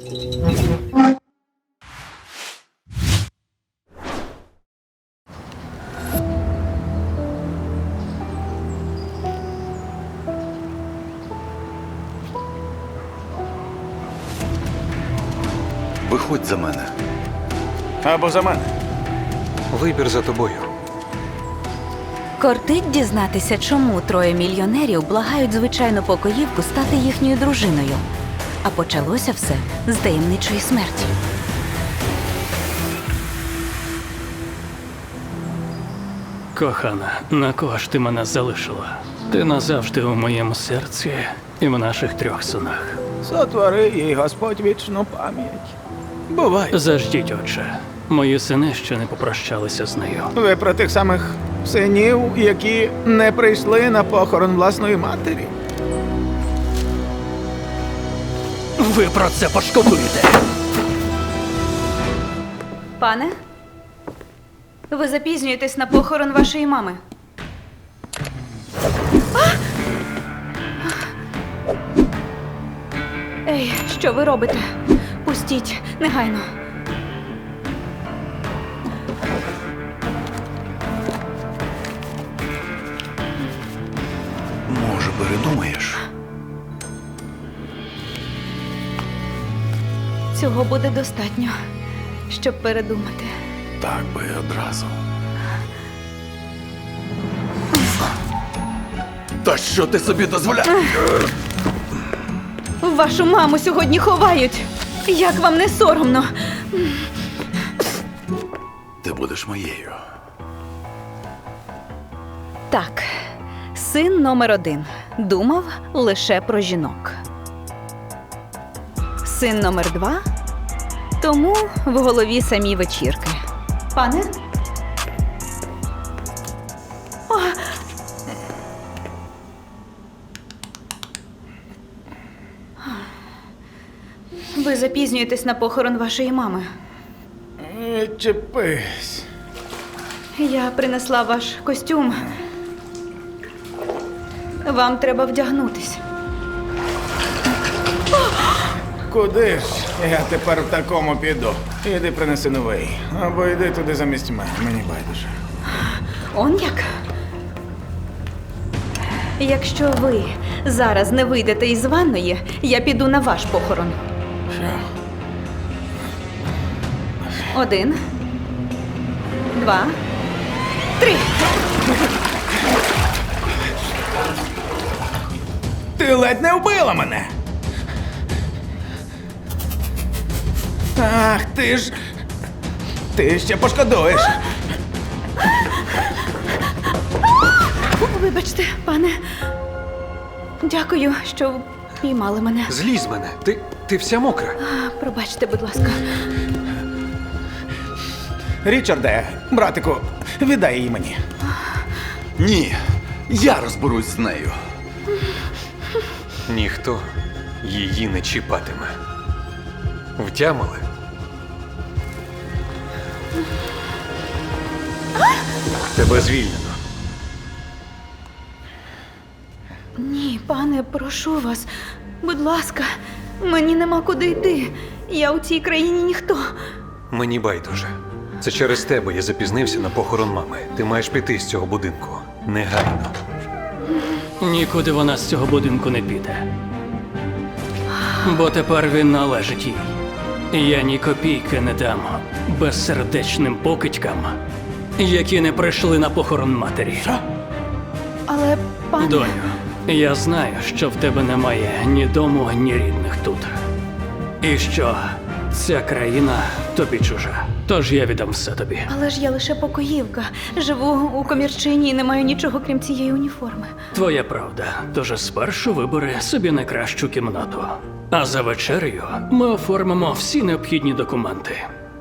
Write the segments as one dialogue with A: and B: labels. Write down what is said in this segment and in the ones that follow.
A: Виходь за мене.
B: Або за мене.
C: Вибір за тобою.
D: Кортить дізнатися, чому троє мільйонерів благають звичайну покоївку стати їхньою дружиною. А почалося все з таємничої смерті.
E: Кохана, на кого ж ти мене залишила? Ти назавжди у моєму серці і в наших 3 синах.
B: Сотвори їй Господь вічну пам'ять. Бувай.
E: Заждіть, отче. Мої сини ще не попрощалися з нею.
B: Ви про тих самих синів, які не прийшли на похорон власної матері?
E: Ви про це пошкодуєте!
D: Пане, ви запізнюєтесь на похорон вашої мами. Ей, що ви робите? Пустіть, негайно.
A: Може, передумаєш?
D: Цього буде достатньо, щоб передумати.
A: Так би одразу. Та що ти собі дозволяєш?
D: Вашу маму сьогодні ховають. Як вам не соромно?
A: Ти будеш моєю.
D: Так, син номер 1 думав лише про жінок. Син номер 2 тому в голові самі вечірки. Пане? О! Ви запізнюєтесь на похорон вашої мами.
B: Чепись.
D: Я принесла ваш костюм. Вам треба вдягнутись.
B: Куди ж я тепер в такому піду? Іди принеси новий. Або йди туди замість мене. Мені байдуже.
D: Он як? Якщо ви зараз не вийдете із ванної, я піду на ваш похорон.
B: Що?
D: 1, 2, 3.
B: Ти ледь не вбила мене! Ах, ти ж... Ти ще пошкодуєш.
D: Вибачте, пане. Дякую, що піймали мене.
C: Злізь з мене. Ти вся мокра.
D: Пробачте, будь ласка.
B: Річарде, братику, віддай її мені.
A: Ні, я розберусь з нею.
C: Ніхто її не чіпатиме. Втямили? Тебе звільнено.
D: Ні, пане, прошу вас. Будь ласка, мені нема куди йти. Я у цій країні ніхто.
C: Мені байдуже. Це через тебе я запізнився на похорон мами. Ти маєш піти з цього будинку. Негайно.
E: Нікуди вона з цього будинку не піде. Бо тепер він належить їй. Я ні копійки не дам безсердечним покидькам, які не прийшли на похорон матері.
D: Але, пане...
E: Доню, я знаю, що в тебе немає ні дому, ні рідних тут. І що ця країна тобі чужа. Тож я віддам все тобі.
D: Але ж я лише покоївка. Живу у комірчині і не маю нічого, крім цієї уніформи.
E: Твоя правда. Тож спершу вибери собі найкращу кімнату. А за вечерею ми оформимо всі необхідні документи.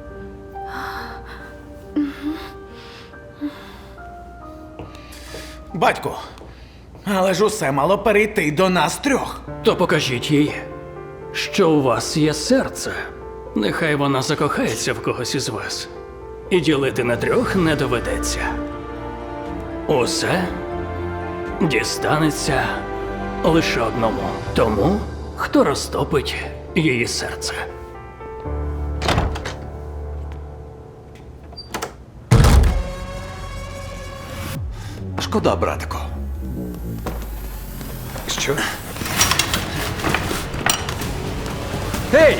B: Батьку, але ж усе мало перейти до нас 3.
E: То покажіть їй, що у вас є серце. Нехай вона закохається в когось із вас. І ділити на 3 не доведеться. Усе дістанеться лише одному. Тому, хто розтопить її серце.
A: Шкода, братику.
C: Що? Гей!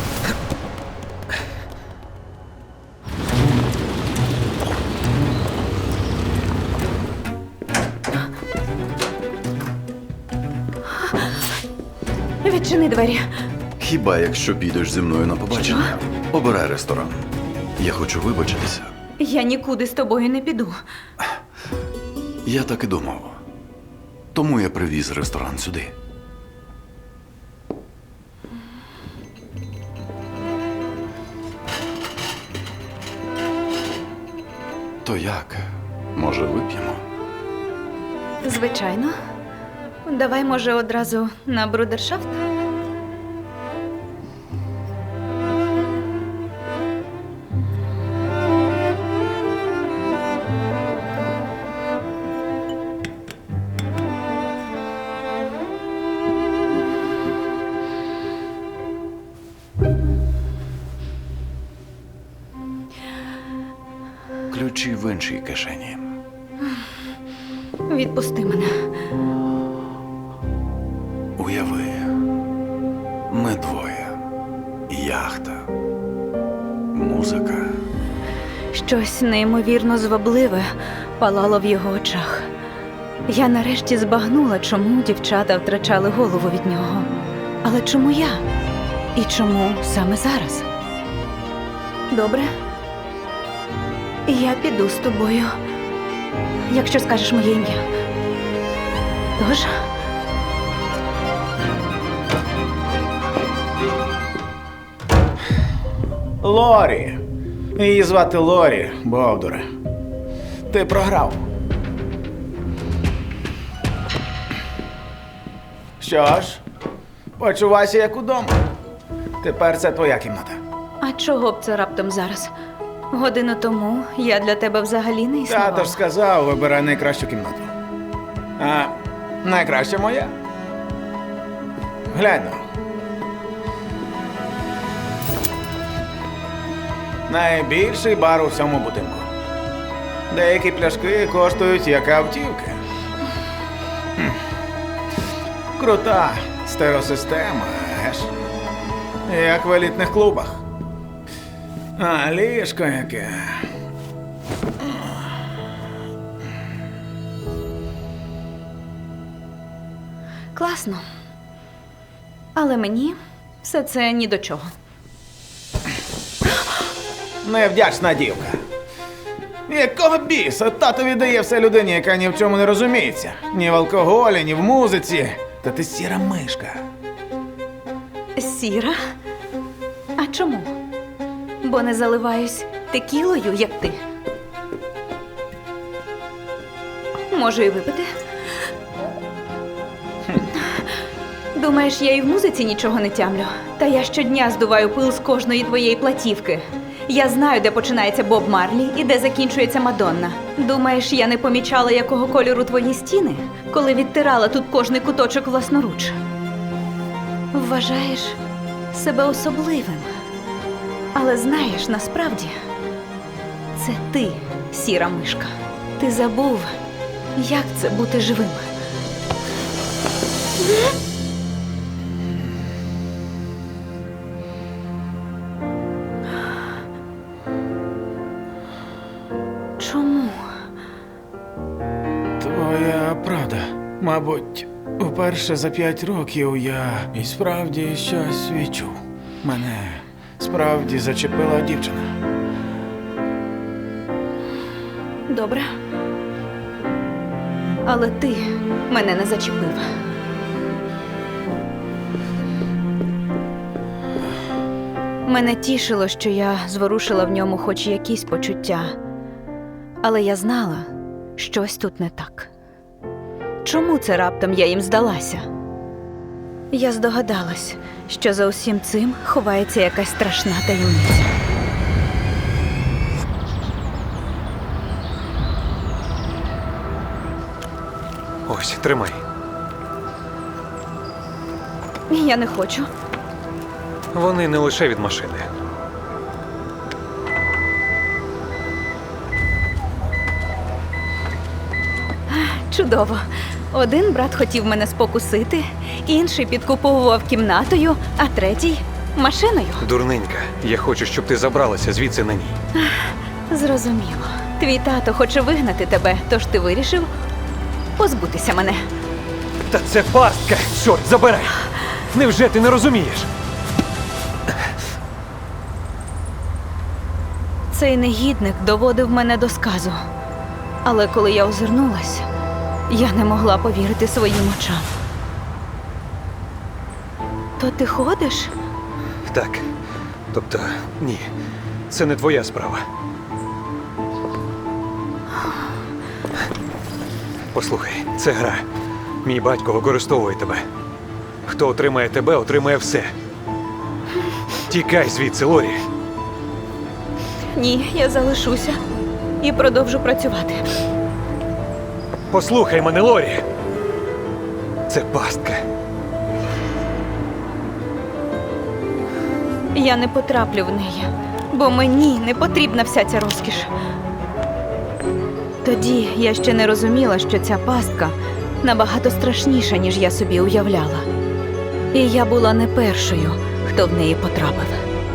D: Відчини двері.
A: Хіба якщо підеш зі мною на побачення, обирай ресторан. Я хочу вибачитися.
D: Я нікуди з тобою не піду.
A: Я так і думав. Тому я привіз ресторан сюди. То як? Може, вип'ємо?
D: Звичайно. Давай, може, одразу на брудершафт?
A: Ключі в іншій кишені.
D: Відпусти мене.
A: Уяви, ми двоє. Яхта. Музика.
D: Щось неймовірно звабливе палало в його очах. Я нарешті збагнула, чому дівчата втрачали голову від нього. Але чому я? І чому саме зараз? Добре. Я піду з тобою, якщо скажеш моє ім'я. Тож,
B: Лорі. Її звати Лорі, Бовдуре. Ти програв. Що ж, почувайся як удома. Тепер це твоя кімната.
D: а чого б це раптом зараз? Годину тому я для тебе взагалі не існувала.
B: Тато ж сказав, вибирай найкращу кімнату. А найкраща моя. Глянь. Найбільший бар у всьому будинку. Деякі пляшки коштують як автівки. Хм. Крута стереосистема, еш? Як в елітних клубах. А ліжко яке.
D: Класно. Але мені все це ні до чого.
B: Невдячна дівка. Якого біса тато віддає все людині, яка ні в чому не розуміється. Ні в алкоголі, ні в музиці. Та ти сіра мишка.
D: Сіра? А чому? Бо не заливаюсь текілою, як ти. Можу і випити. Думаєш, я і в музиці нічого не тямлю? Та я щодня здуваю пил з кожної твоєї платівки. Я знаю, де починається Боб Марлі і де закінчується Мадонна. Думаєш, я не помічала, якого кольору твої стіни, коли відтирала тут кожний куточок власноруч? Вважаєш себе особливим. Але знаєш, насправді, це ти, сіра мишка. Ти забув, як це бути живим. Чому?
B: Твоя правда. Мабуть, вперше за 5 років я і справді щось відчув. Мене справді зачепила дівчина.
D: Добре. Але ти мене не зачепив. Мене тішило, що я зворушила в ньому хоч якісь почуття. Але я знала, щось тут не так. Чому це раптом я їм здалася? Я здогадалась, що за усім цим ховається якась страшна таємниця.
C: Ось, тримай.
D: Я не хочу.
C: Вони не лише від машини.
D: Чудово. Один брат хотів мене спокусити, інший підкуповував кімнатою, а третій машиною.
C: Дурненька, я хочу, щоб ти забралася звідси на ній.
D: Зрозуміло. Твій тато хоче вигнати тебе, тож ти вирішив позбутися мене.
C: Та це пастка! Чорт, забирай! Невже ти не розумієш?
D: Цей негідник доводив мене до сказу. Але коли я озирнулась, я не могла повірити своїм очам. То ти ходиш?
C: Так. Тобто, ні. Це не твоя справа. Послухай, це гра. Мій батько використовує тебе. Хто отримає тебе, отримає все. Тікай звідси, Лорі.
D: Ні, я залишуся і продовжу працювати.
C: Послухай мене, Лорі. Це пастка.
D: Я не потраплю в неї, бо мені не потрібна вся ця розкіш. Тоді я ще не розуміла, що ця пастка набагато страшніша, ніж я собі уявляла. І я була не першою, хто в неї потрапив.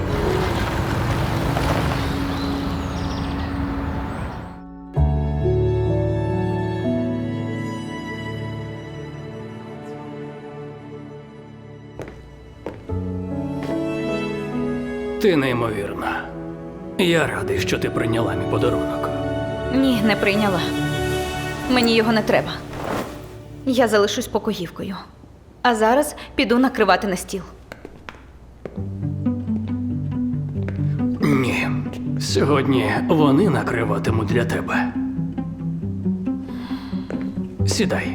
E: Ти неймовірна. Я радий, що ти прийняла мій подарунок.
D: Ні, не прийняла. Мені його не треба. Я залишусь покоївкою. А зараз піду накривати на стіл.
E: Ні. Сьогодні вони накриватимуть для тебе. Сідай.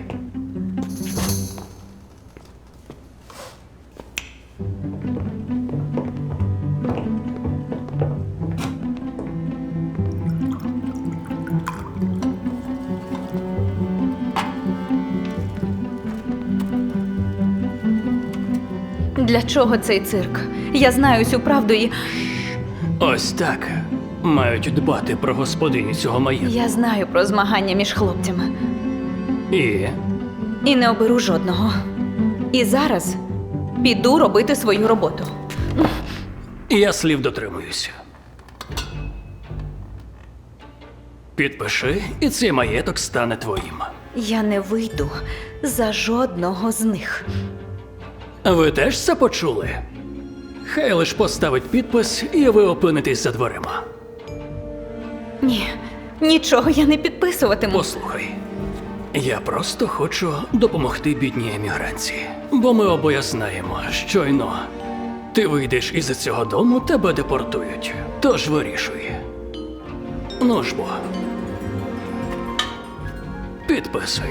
D: Для чого цей цирк? Я знаю всю правду і
E: Ось так мають дбати про господиню цього маєтку.
D: я знаю про змагання між хлопцями. І не оберу жодного. І зараз піду робити свою роботу.
E: І я слів дотримуюся. Підпиши, і цей маєток стане твоїм.
D: Я не вийду за жодного з них.
E: Ви теж це почули? Хай лиш поставить підпис, і ви опинитесь за дверима.
D: Ні, нічого я не підписуватиму.
E: Послухай, я просто хочу допомогти бідній емігранці. Бо ми обоє знаємо, щойно ти вийдеш із цього дому, тебе депортують. Тож вирішуй. Ну ж бо. Підписуй.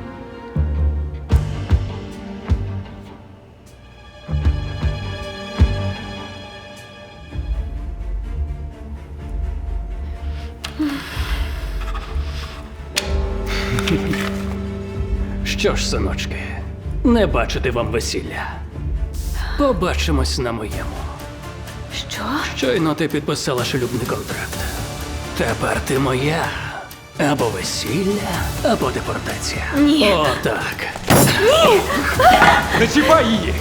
E: Що ж, синочки, не бачити вам весілля. Побачимось на моєму.
D: Що?
E: Щойно ти підписала шлюбний контракт. Тепер ти моя. Або весілля, або депортація.
D: Ні.
E: О, так.
C: Не чіпай її!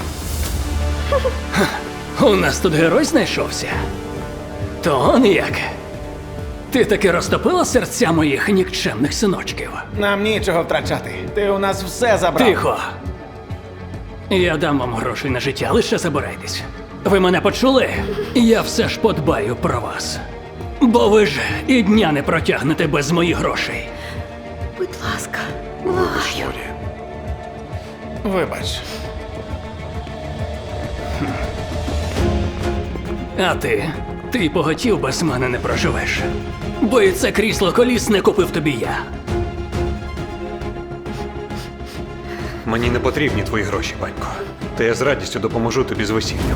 E: У нас тут герой знайшовся. То он як. Ти таки розтопила серця моїх нікчемних синочків.
B: Нам нічого втрачати. Ти у нас все забрав.
E: Тихо. Я дам вам грошей на життя, лише забирайтесь. Ви мене почули? Я все ж подбаю про вас. Бо ви ж і дня не протягнете без моїх грошей.
D: Будь ласка, благаю.
A: Лорі,
B: Вибач.
E: А ти й поготів без мене не проживеш. Бо і це крісло колісне купив тобі я.
C: Мені не потрібні твої гроші, батько. Та я з радістю допоможу тобі з весіллям.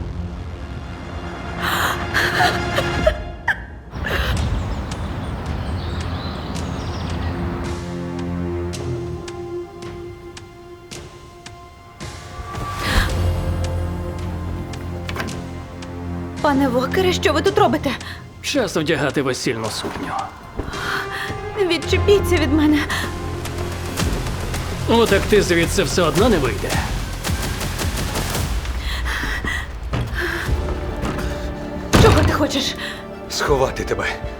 D: Пане Вокере, що ви тут робите?
E: Час вдягати весільну сукню.
D: Відчепіться від мене.
E: Утекти звідси все одно не вийде.
D: Чого ти хочеш?
C: Сховати тебе.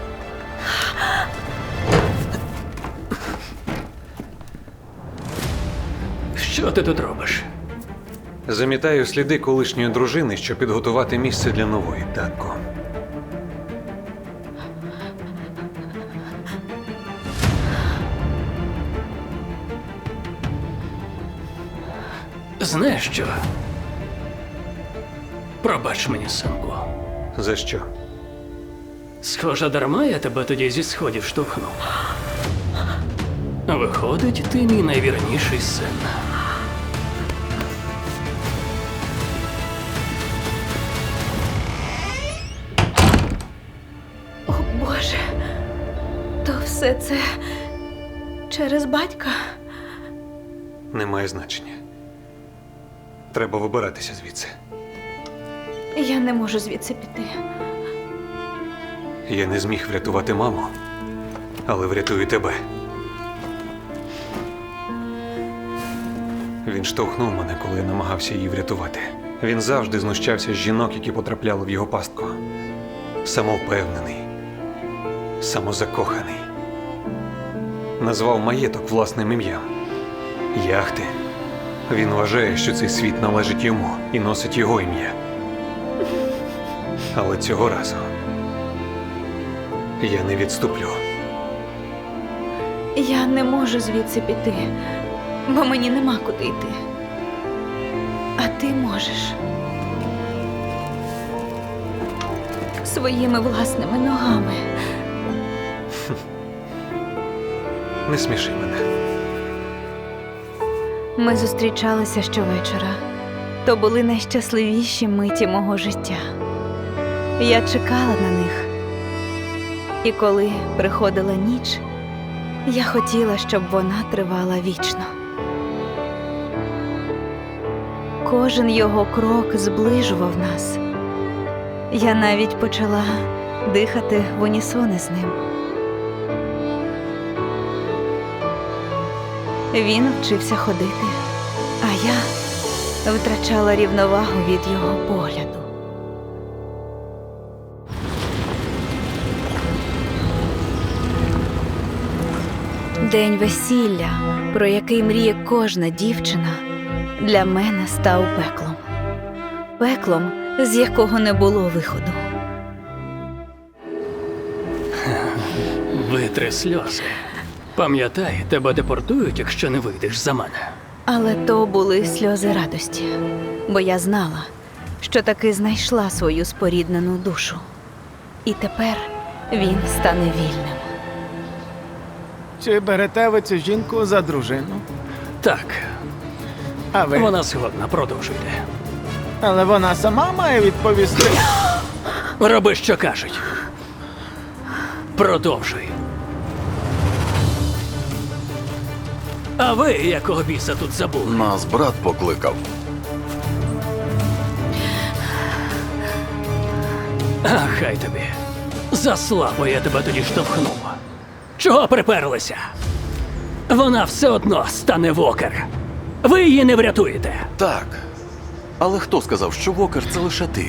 E: Що ти тут робиш?
C: Замітаю сліди колишньої дружини, щоб підготувати місце для нової, татко.
E: Знаєш що? Пробач мені, синку.
C: За що?
E: Схоже, дарма я тебе тоді зі сходів штовхнув. Виходить, ти мій найвірніший син.
D: О, Боже. То все це через батька?
C: Немає значення. Треба вибиратися звідси.
D: Я не можу звідси піти.
C: Я не зміг врятувати маму, але врятую тебе. Він штовхнув мене, коли я намагався її врятувати. Він завжди знущався з жінок, які потрапляли в його пастку. Самовпевнений, самозакоханий. Назвав маєток власним ім'ям. Яхти. Він вважає, що цей світ належить йому і носить його ім'я. Але цього разу я не відступлю.
D: Я не можу звідси піти, бо мені нема куди йти. А ти можеш. Своїми власними ногами.
C: Не сміши мене.
D: Ми зустрічалися щовечора. То були найщасливіші миті мого життя. Я чекала на них. І коли приходила ніч, я хотіла, щоб вона тривала вічно. Кожен його крок зближував нас. Я навіть почала дихати в унісони з ним. Він вчився ходити, а я втрачала рівновагу від його погляду. День весілля, про який мріє кожна дівчина, для мене став пеклом. Пеклом, з якого не було виходу.
E: Витри сльози. Пам'ятай, тебе депортують, якщо не вийдеш за мене.
D: Але то були сльози радості, бо я знала, що таки знайшла свою споріднену душу. І тепер він стане вільним.
B: Чи берете ви цю жінку за дружину?
E: Так,
B: А ви?
E: вона згодна, продовжуйте.
B: Але вона сама має відповісти.
E: Роби, що кажуть. Продовжуй. А ви якого біса тут забули?
A: Нас брат покликав.
E: А хай тобі. За слабо я тебе тоді штовхнув. Чого приперлися? Вона все одно стане Вокер. Ви її не врятуєте.
A: Так. Але хто сказав, що Вокер це лише ти?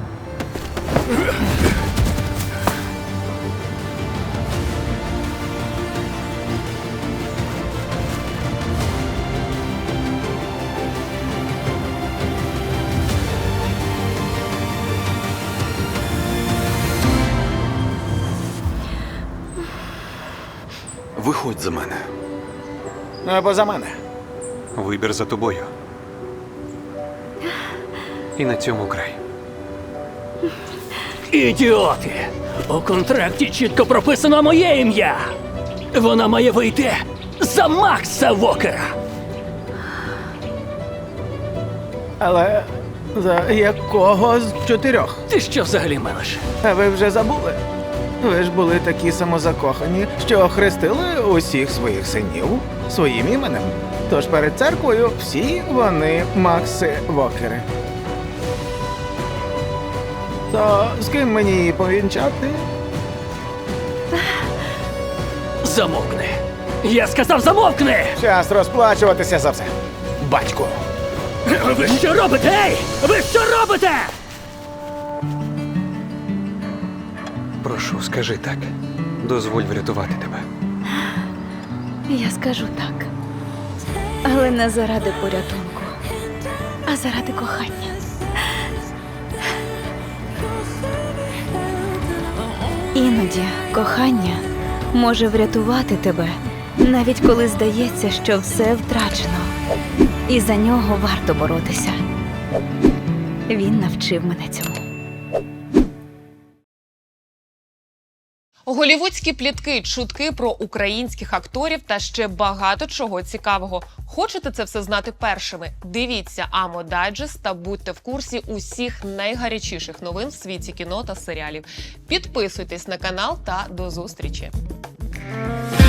A: Виходь за мене.
B: Або за мене.
C: Вибір за тобою. І на цьому край.
E: Ідіоти! У контракті чітко прописано моє ім'я. Вона має вийти за Макса Вокера.
B: Але за якого з 4?
E: Ти що взагалі мелиш?
B: А ви вже забули? Ви ж були такі самозакохані, що охрестили усіх своїх синів своїм іменем. Тож перед церквою всі вони Макси Вокери. То з ким мені її повінчати?
E: Замовкни. Я сказав, замовкни!
B: Час розплачуватися за все. Батьку.
E: Ви що робите? Ей! Ви що робите?
C: Прошу, скажи так. Дозволь врятувати тебе.
D: Я скажу так. Але не заради порятунку, а заради кохання. Іноді кохання може врятувати тебе, навіть коли здається, що все втрачено. І за нього варто боротися. Він навчив мене цьому.
F: Голівудські плітки, чутки про українських акторів та ще багато чого цікавого. Хочете це все знати першими? Дивіться Амо Дайджест та будьте в курсі усіх найгарячіших новин в світі кіно та серіалів. Підписуйтесь на канал та до зустрічі!